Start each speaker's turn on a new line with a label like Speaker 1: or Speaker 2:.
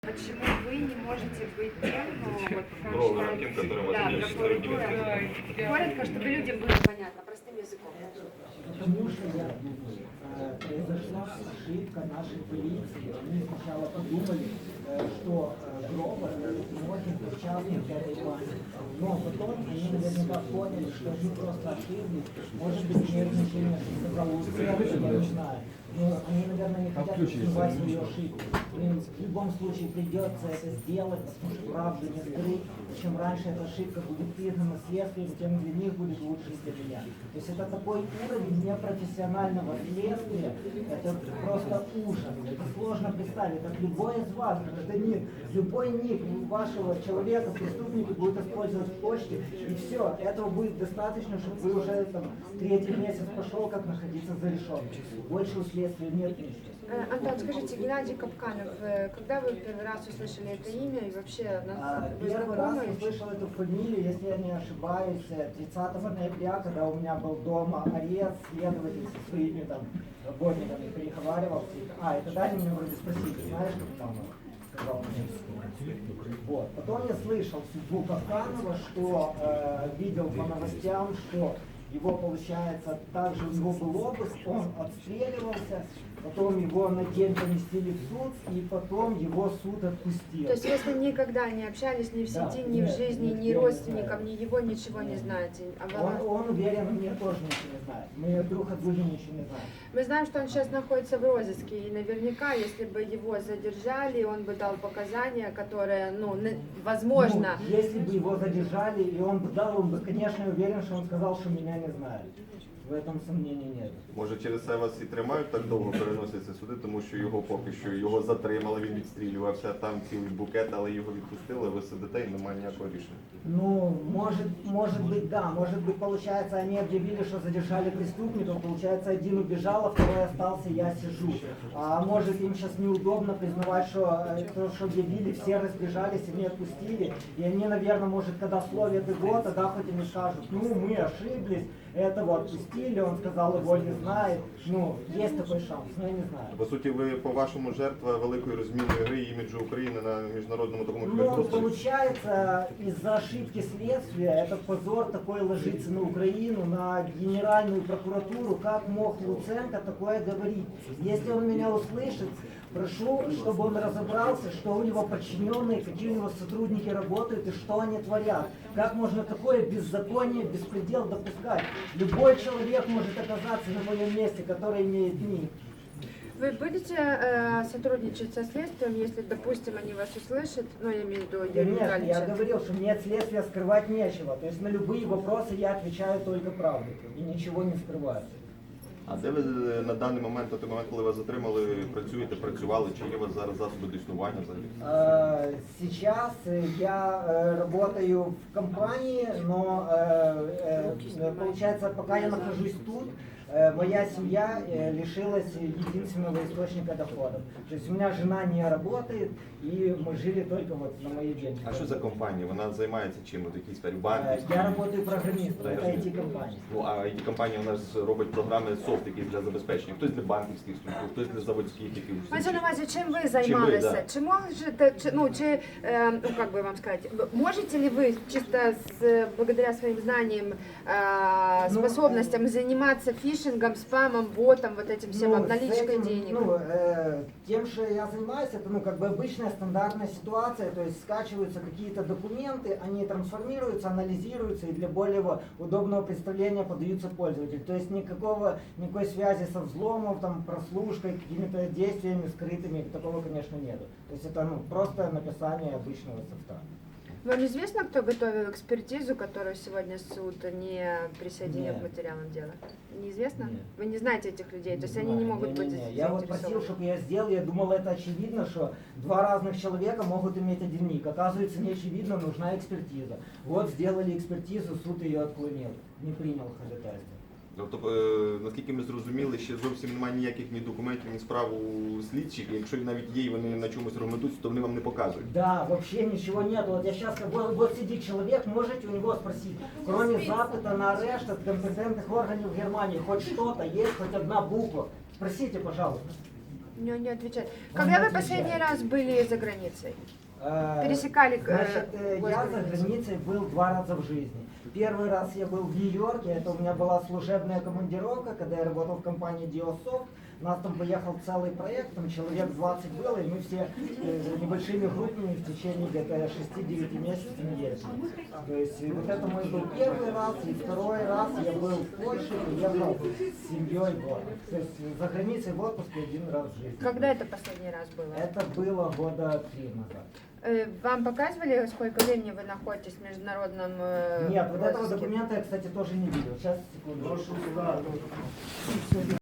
Speaker 1: Почему вы не можете быть тем, ну, вот,
Speaker 2: Тем, которым
Speaker 1: да,
Speaker 2: возможно,
Speaker 1: прокуратура, коротко, чтобы людям было понятно, простым языком.
Speaker 3: Потому что я думаю, произошла ошибка нашей полиции. Они сначала подумали, что Гробер может быть участник этой банды. Но потом они наверняка поняли, что они просто ошиблись. Может быть, нервничали, что сказал Луценко, я не знаю. Но они, наверное, не хотят скрывать свою ошибку. Им в любом случае придется это сделать, потому что правду не скрыть. Чем раньше эта ошибка будет признана следствием, тем для них будет лучше для меня. То есть это такой уровень непрофессионального следствия, это просто ужас. Это сложно представить. Как любой из вас, гражданин, любой ник вашего человека, преступника будет использовать в почте, и все, этого будет достаточно, чтобы вы уже там третий месяц пошел, как находиться за решеткой. Больше у следствия нет ничего.
Speaker 1: Антон, скажите, Геннадий Капканов, когда вы первый раз услышали это имя и вообще вы
Speaker 3: Первый раз
Speaker 1: знакомы?
Speaker 3: услышал эту фамилию, если я не ошибаюсь, 30 ноября, когда у меня был дома арест, следователь со своими там работниками переговаривался. И тогда они меня вроде спросили, знаешь, Капканова? Сказал мне. Вот. Потом я слышал судьбу Капканова, что видел по новостям, что его, получается, также у него был обыск, он отстреливался, потом его на день поместили в суд, и потом его суд отпустил.
Speaker 1: То есть вы с ним никогда не общались ни в сети, ни в жизни, ни родственникам, ни его, ничего не знаете?
Speaker 3: Он уверен, мне тоже ничего не знает. Мы друг от друга ничего не знаем.
Speaker 1: Мы знаем, что он сейчас находится в розыске, и наверняка, если бы его задержали, он бы дал показания, которые, возможно...
Speaker 3: Ну, если бы его задержали, и он бы дал, он бы, конечно, уверен, что он сказал, что меня не знает. В этом сомнений нет.
Speaker 2: Може через це вас і тримають так довго, переносяться суди, тому що його поки що його затримали, він відстрілювався, там цілий букет, але його відпустили, ви сидите і немає ніякого рішення.
Speaker 3: Ну, может быть, да. Может быть, получается, они объявили, что задержали преступников, получается, один убежал, а второй остался, я сижу. А может, им сейчас неудобно признавать, что то, что объявили, все разбежались и не отпустили. И они, наверное, может, когда словят его, тогда хоть им и скажут, ну, мы ошиблись, этого отпустили, он сказал, его не знает. Ну, есть такой шанс, но я не знаю.
Speaker 2: По суті, ви, по-вашому, жертва великої розмінної гри іміджу України на міжнародному такому
Speaker 3: Ну,
Speaker 2: кіберпросторі?
Speaker 3: получается, из-за ошибки следствия этот позор такой ложится на Украину, на Генеральную прокуратуру. Как мог Луценко такое говорить? Если он меня услышит, прошу, чтобы он разобрался, что у него подчиненные, какие у него сотрудники работают и что они творят. Как можно такое беззаконие, беспредел допускать? Любой человек может оказаться на моем месте, который имеет ник.
Speaker 1: Вы будете сотрудничать со следствием, если, допустим, они вас услышат, я имею в виду Юрия
Speaker 3: Конечно, я
Speaker 1: Витальевича?
Speaker 3: говорил, что мне от следствия скрывать нечего. То есть на любые вопросы я отвечаю только правду и ничего не скрываю.
Speaker 2: А де ви на даний момент, на той момент, коли вас затримали, працювали, чи є у вас зараз засоби до існування взагалі?
Speaker 3: Сейчас я работаю в компании, но получается, пока я нахожусь тут, моя семья лишилась единственного источника доходов. То есть у меня жена не работает, и мы жили только вот на мои деньги.
Speaker 2: А що за компанія? Вона займається чим? От якісь сфері банківські?
Speaker 3: Я работаю программистом, это IT-компания.
Speaker 2: Ну, а IT-компанія у нас робить програми софт, які для забезпечення. Хтось для банківських структур, хтось для заводських якихось.
Speaker 1: Мається на увазі, чим ви займалися?
Speaker 2: да.
Speaker 1: Чи можете, как бы вам сказать, можете ли вы чисто благодаря своим знаниям, способностям заниматься фишингом, спамом, ботом, вот этим всем, обналичкой денег?
Speaker 3: Тем, что я занимаюсь, это как бы обычная стандартная ситуация, то есть скачиваются какие-то документы, они трансформируются, анализируются и для более удобного представления подаются пользователю. То есть никакой связи со взломом, там, прослушкой, какими-то действиями скрытыми, такого, конечно, нету. То есть это просто написание обычного софта.
Speaker 1: Вам известно, кто готовил экспертизу, которую сегодня суд не присоединил к материалам дела? Неизвестно?
Speaker 3: Нет.
Speaker 1: Вы не знаете этих людей, то есть они не могут быть
Speaker 3: Я вот просил, чтобы я сделал, я думал, это очевидно, что два разных человека могут иметь один ник. Оказывается, не очевидно, нужна экспертиза. Вот сделали экспертизу, суд ее отклонил, не принял ходатайство.
Speaker 2: Тобто, наскільки ми зрозуміли, ще зовсім немає ніяких ні документів, ні справ у слідчих, і якщо навіть є і вони на чомусь аргументуються, то вони вам не показують.
Speaker 3: Да, вообще ничего нет. Вот я сейчас, вот сидит человек, можете у него спросить, кроме запыта на арешт от компетентных органов Германии, хоть что-то есть, хоть одна буква? Спросите, пожалуйста.
Speaker 1: не отвечает. Когда вы последний раз были за границей? Пересекали
Speaker 3: Значит, я за
Speaker 1: госграницу?
Speaker 3: границей был 2 раза в жизни. Первый раз я был в Нью-Йорке, это у меня была служебная командировка, когда я работал в компании Diosoft. У нас там поехал целый проект, там человек 20 было, и мы все небольшими группами в течение где-то 6-9 месяцев ездили. То есть вот это мой был первый раз, и второй раз я был в Польше, приехал с семьей в отпуск. То есть за границей в отпуске 1 раз в жизни.
Speaker 1: Когда это последний раз было?
Speaker 3: Это было года 3 назад.
Speaker 1: Вам показывали, сколько времени вы находитесь в международном
Speaker 3: Нет, вот этого
Speaker 1: розыске?
Speaker 3: документа я, кстати, тоже не видел. Сейчас, секунду.